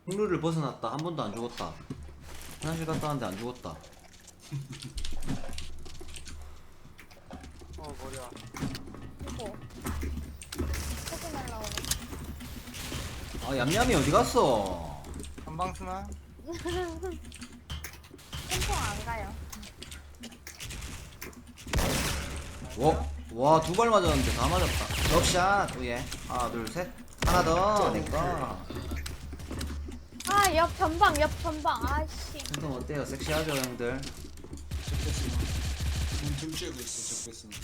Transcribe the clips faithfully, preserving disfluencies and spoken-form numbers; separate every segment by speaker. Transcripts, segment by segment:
Speaker 1: 룰을 벗어났다. 한 번도 안 죽었다. 화장실 갔다 왔는데 안 죽었다.
Speaker 2: 어 머리야.
Speaker 3: 이거 조금 날라오네.
Speaker 1: 아 얌얌이 어디 갔어?
Speaker 2: 전방스나.
Speaker 3: 템포 안 가요.
Speaker 1: 와, 와, 두 발 맞았는데 다 맞았다. 럽샷, 위에. 하나, 둘, 셋. 하나 더, 내꺼.
Speaker 3: 아, 옆 전방, 옆 전방. 아씨.
Speaker 1: 행동 어때요? 섹시하죠, 형들?
Speaker 4: 적배스나 지금 등 쬐고 있어 적배스나.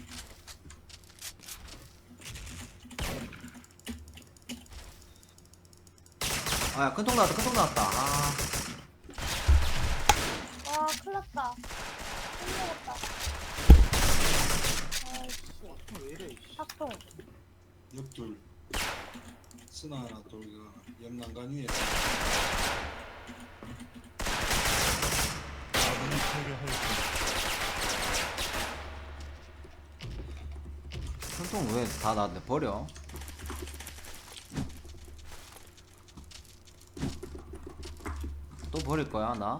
Speaker 1: 아, 야, 큰통 나왔다, 큰통 나왔다. 아,
Speaker 3: 와, 큰일 났다. 힘들었다. 아이씨.
Speaker 2: 왜 이래? 이씨.
Speaker 3: 탁통.
Speaker 4: 옆돌 스나 하나 돌가 옆 난간 위에
Speaker 5: 아군이 패배하였습니다.
Speaker 1: 큰통 왜 다 나한테 버려? 또 버릴 거야, 나?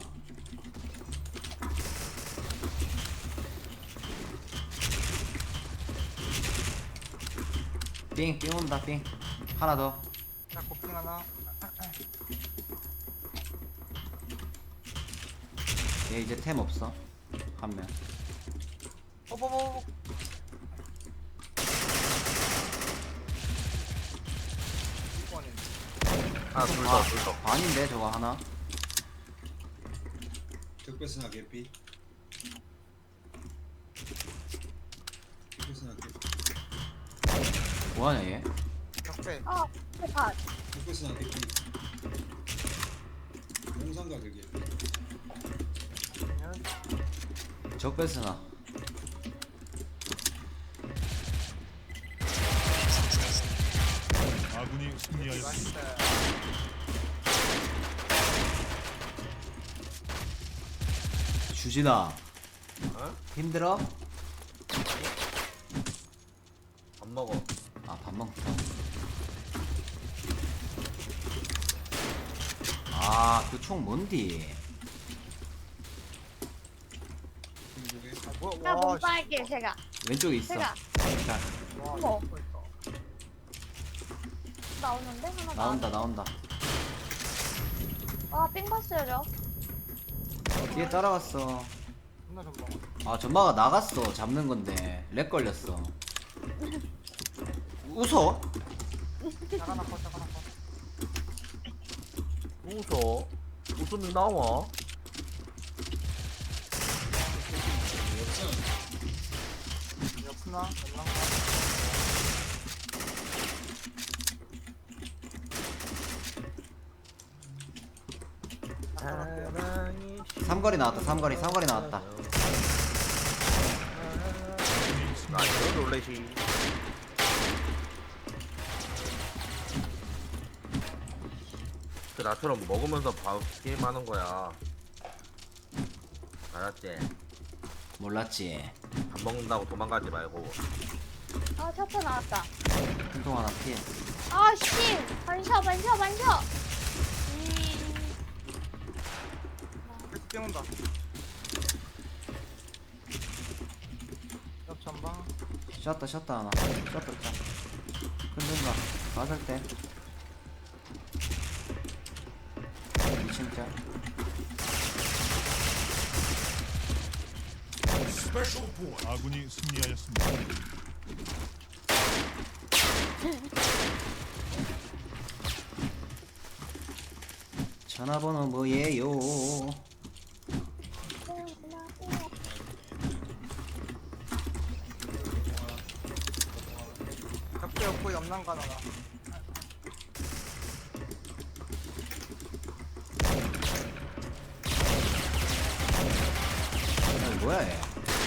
Speaker 1: 삥, 삥 온다, 삥. 하나 더.
Speaker 2: 자 고핑 하나.
Speaker 1: 얘 이제 템 없어. 한 명.
Speaker 2: 어버버. 이번엔
Speaker 6: 하나 둘더 둘더
Speaker 1: 반인데, 저거 하나?
Speaker 4: 적배스나 개피. 적배스나 개피.
Speaker 1: 뭐하냐, 얘?
Speaker 2: 적배.
Speaker 3: 아, 대파.
Speaker 4: 적배스나 개피. 용산가 그게.
Speaker 1: 적배스나.
Speaker 5: 아군이 승리하였습니다.
Speaker 2: 맛있다.
Speaker 1: 주진아.
Speaker 6: 어?
Speaker 1: 힘들어?
Speaker 6: 밥 먹어.
Speaker 1: 아, 밥 먹자. 아, 그 총 뭔디?
Speaker 4: 중국에
Speaker 2: 아, 뭐야?
Speaker 3: 나
Speaker 2: 와,
Speaker 3: 몸
Speaker 2: 씨.
Speaker 3: 빨게, 제가.
Speaker 1: 왼쪽에 있어.
Speaker 3: 제가.
Speaker 1: 자,
Speaker 2: 와,
Speaker 3: 어머.
Speaker 2: 이거 있다.
Speaker 3: 나오는데? 하나
Speaker 1: 나온다,
Speaker 3: 나오네.
Speaker 1: 나온다.
Speaker 3: 와, 삥 봤어요, 저.
Speaker 1: 뒤에 따라갔어.
Speaker 2: 존나 전방.
Speaker 1: 아, 전마가 나갔어. 잡는 건데. 렉 걸렸어. 웃어?
Speaker 2: 자가 나커, 자가 나커.
Speaker 6: 웃어. 웃음이 나와.
Speaker 2: 옆스나. 연랑.
Speaker 6: 사랑이
Speaker 1: 삼거리 나왔다, 삼거리, 삼거리 나왔다.
Speaker 5: 아군이 승리.
Speaker 6: 나이스 롤렛이. 그 나처럼 먹으면서 밥 게임하는 거야. 알았지?
Speaker 1: 몰랐지.
Speaker 6: 밥 먹는다고 도망가지 말고.
Speaker 3: 아, 차차 나왔다.
Speaker 1: 큰통 하나 피해.
Speaker 3: 아, 씨. 반셔, 반셔, 반셔. 음.
Speaker 2: 계속 뛰어온다. 옆 전방.
Speaker 1: 샷다, 샷다 하나. 샷다, 샷. 큰통가. 맞을 때. 이 층짜.
Speaker 5: 아군이 승리하였습니다.
Speaker 1: 전화번호 뭐예요?
Speaker 2: 적배 없고 옆난간 하나.
Speaker 1: 아니, 뭐야, 얘.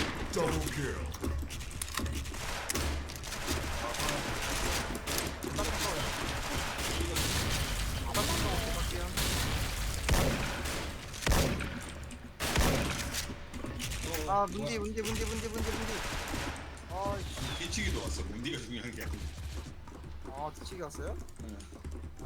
Speaker 2: 아 문디 문디 문디 문디 문디 문디. 아이씨.
Speaker 4: 뒤치기도 왔어. 문디가 중요한 게 아니고.
Speaker 2: 아 뒤치기 왔어요?
Speaker 4: 예.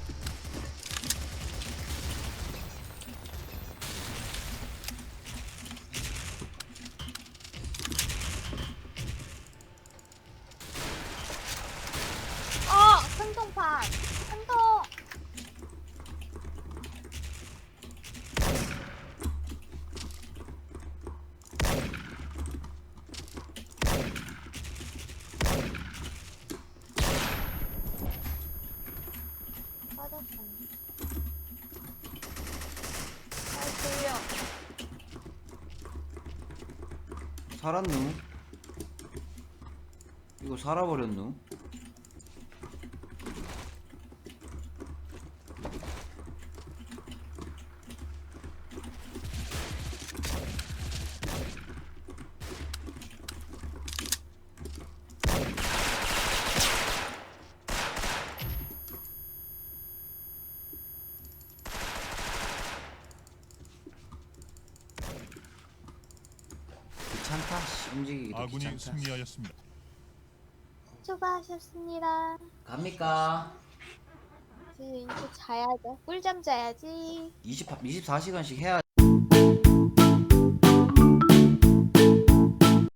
Speaker 3: 한통판 한통. 빠졌어. 아 들려.
Speaker 1: 살았누? 이거 살아버렸누? 귀찮다. 씨, 움직이기도
Speaker 5: 아군이
Speaker 1: 귀찮다.
Speaker 5: 승리하였습니다.
Speaker 3: 수고하셨습니다.
Speaker 1: 갑니까?
Speaker 3: 지금 이제 자야죠. 꿀잠 자야지.
Speaker 1: 이십, 이십사 시간씩 해야